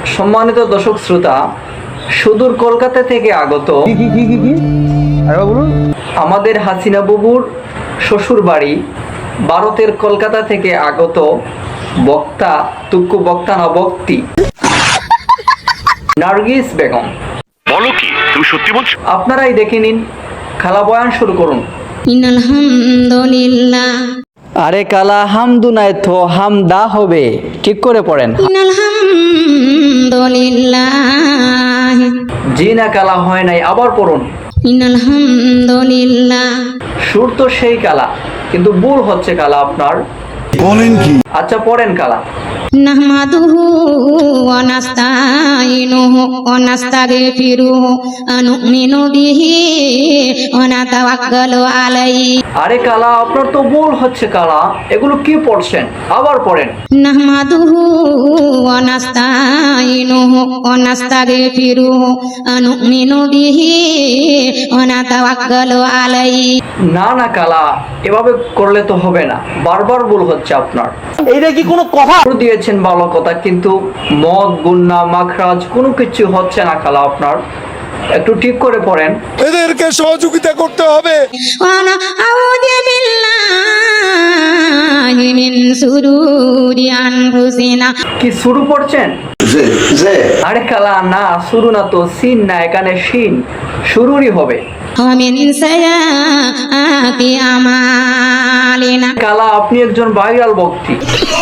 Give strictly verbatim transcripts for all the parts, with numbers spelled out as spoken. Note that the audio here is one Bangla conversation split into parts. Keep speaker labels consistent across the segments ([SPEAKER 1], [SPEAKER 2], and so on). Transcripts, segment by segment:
[SPEAKER 1] সম্মানিত দর্শক শ্রোতা, সুদূর কলকাতা থেকে আগত আমাদের হাসিনা বুবুর শ্বশুর বাড়ি ভারতের কলকাতা থেকে আগত বক্তা তুক্কু বক্তা না বক্তি নার্গিস বেগম।
[SPEAKER 2] বলো কি, তুমি সত্যি বলছো?
[SPEAKER 1] আপনারাই দেখে নিন, খালা বয়ান শুরু করুন।
[SPEAKER 3] আলহামদুলিল্লাহ।
[SPEAKER 1] আরে কালা হামদু নাই তো হামদা হবে, ঠিক করে পড়েন।
[SPEAKER 3] আলহামদুলিল্লাহ।
[SPEAKER 1] জি না, কালা হয় নাই, আবার পড়ুন।
[SPEAKER 3] আলহামদুলিল্লাহ।
[SPEAKER 1] সুর তো সেই কালা, কিন্তু ভুল হচ্ছে কালা আপনার।
[SPEAKER 4] বলেন কি?
[SPEAKER 1] আচ্ছা পড়েন কালা।
[SPEAKER 3] নাহমাদুহু ওয়া নাস্তাইনুহু ওয়া নাস্তাগফিরুহু ওয়া নু'মিনু বিহি ওয়া নাতাওয়াক্কালু আলাইহি।
[SPEAKER 1] আরে কালা আপনার তো ভুল হচ্ছে কালা, এগুলো কি পড়ছেন? আবার পড়েন।
[SPEAKER 3] নাহমাদুহু ওয়া নাস্তাইনুহু ওয়া নাস্তাগফিরুহু ওয়া নু'মিনু বিহি ওয়া নাতাওয়াক্কালু আলাইহি।
[SPEAKER 1] না না কালা, এভাবে করলে তো হবে না, বারবার ভুল হচ্ছে আপনার।
[SPEAKER 5] এইটা কি কোনো কথা?
[SPEAKER 1] দিয়েছেন ভালো কথা, কিন্তু মদ গুন্না মাখরাজ কোনো কিছু হচ্ছে না কালা আপনার, একটু ঠিক করে পড়েন।
[SPEAKER 4] এদেরকে সহযোগিতা করতে হবে।
[SPEAKER 3] ওয়া নাউযু বিল্লাহি মিন শুরুরি আনফুসিনা।
[SPEAKER 1] কি শুরু পড়ছেন? আরে কালা না, শুরু না তো, সিন না, এখানে শিন, শুরুরই হবে।
[SPEAKER 3] ওয়া মিন সাইয়্যাতি আমালিনা।
[SPEAKER 1] কালা আপনি একজন ভাইরাল বক্তি,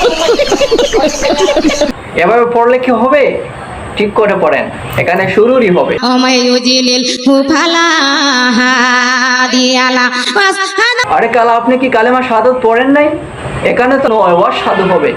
[SPEAKER 1] এভাবে পড়লে কি হবে? ঠিক করে পড়েন, এখানে শুরুরই হবে।
[SPEAKER 3] ওমাইয়ুজিলিল ফালা হাদিয়ালা।
[SPEAKER 1] আরে কালা আপনি কি কালেমা শাহাদাত পড়েন নাই? এখানে তো নয়, ওয়াজ সাধু হবে।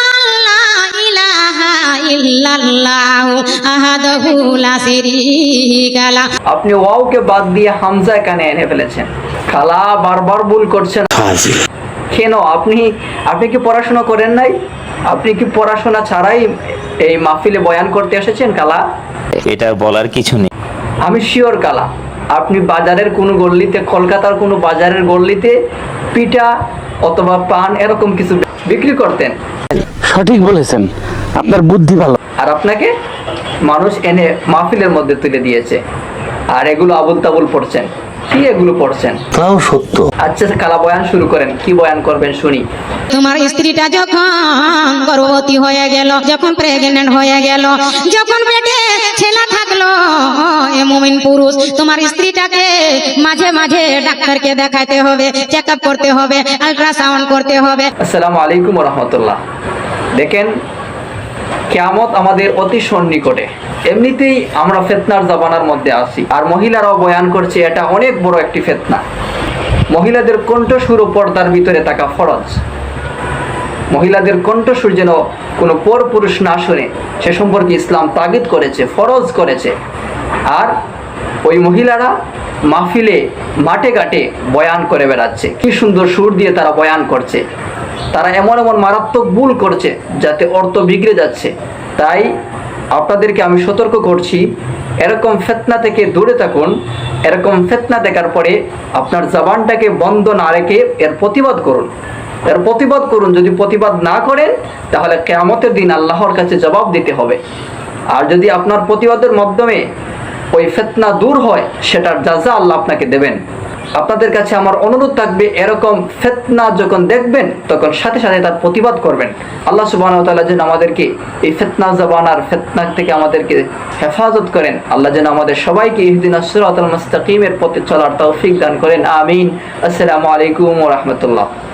[SPEAKER 1] আপনি ওয়াওকে বাদ দিয়ে হামজা এখানে এনে ফেলেছেন। খালা বারবার ভুল করছেন কেন? আপনি আপনি কি পড়াশোনা করেন নাই? আপনি কি পড়াশোনা ছাড়াই এই মাহফিলে বয়ান করতে এসেছেন কালা?
[SPEAKER 5] এটা বলার কিছু নেই।
[SPEAKER 1] আমি শিওর কালা, আপনি বাজারের কোনো গল্লিতে, কলকাতার কোনো বাজারের গল্লিতে পিঠা অথবা পান এরকম কিছু বিক্রি করতেন।
[SPEAKER 5] সঠিক বলেছেন, আপনার বুদ্ধি ভালো।
[SPEAKER 1] আর আপনাকে মানুষ এনে মাহফিলের মধ্যে তুলে দিয়েছে, আর এগুলো আবুল তাবুল পড়ছেন। কি এগুলো পড়ছেন?
[SPEAKER 4] তাও সত্য।
[SPEAKER 1] আচ্ছা কালা বয়ান শুরু করেন, কি বয়ান করবেন শুনি।
[SPEAKER 3] তোমার স্ত্রীটা যখন গর্ভবতী হয়ে গেল, যখন প্রেগনেন্ট হয়ে গেল, যখন পেটে ছেলে থাকলো, এ মুমিন পুরুষ, তোমার স্ত্রীটাকে মাঝে মাঝে ডাক্তারকে দেখাতে হবে, চেক আপ করতে হবে, আল্ট্রাসাউন্ড করতে হবে।
[SPEAKER 1] আসসালামু আলাইকুম ওয়া রাহমাতুল্লাহ। দেখেন, কিয়ামত আমাদের অতি সন্নিকটে। এমনিতেই আমরা ফিতনার জামানার মধ্যে আছি, আর মহিলারাও বয়ান করছে, এটা অনেক বড় একটি ফিতনা। মহিলাদের কণ্ঠস্বর ও পর্দার ভিতরে থাকা ফরজ। মহিলাদের কণ্ঠস্বর যেন কোনো পর পুরুষ না শুনে, সে সম্পর্কে ইসলাম তাগিদ করেছে, ফরজ করেছে। আর ওই মহিলারা মাহফিলে মাঠে ঘাটে বয়ান করে বেড়াচ্ছে, কি সুন্দর সুর দিয়ে তারা বয়ান করছে। তারা এমন এমন মারাত্মক ভুল করছে যাতে অর্থ বিগড়ে যাচ্ছে। তাই আপনাদেরকে আমি সতর্ক করছি, এরকম ফিতনা থেকে দূরে থাকুন। এরকম ফিতনা দেখার পরে আপনার জবানটাকে বন্ধ না রেখে এর প্রতিবাদ করুন, এর প্রতিবাদ করুন। যদি প্রতিবাদ না করেন তাহলে কিয়ামতের দিন আল্লাহর কাছে জবাব দিতে হবে। আর যদি আপনার প্রতিবাদের মাধ্যমে ওই ফিতনা দূর হয়, সেটার জাযা আল্লাহ আপনাকে দেবেন। আপনাদের কাছে আমার অনুরোধ থাকবে, এরকম ফিতনা যখন দেখবেন তখন সাথে সাথে তার প্রতিবাদ করবেন। আল্লাহ সুবহানাহু ওয়া তাআলা যেন আমাদেরকে এই ফিতনা জামানার ফিতনা থেকে আমাদেরকে হেফাজত করেন। আল্লাহ যেন আমাদের সবাইকে ইহদিনাস সিরাতাল মুস্তাকিমের পথে চলার তৌফিক দান করেন। আমিন। আসসালামু আলাইকুম ওয়া রাহমাতুল্লাহ।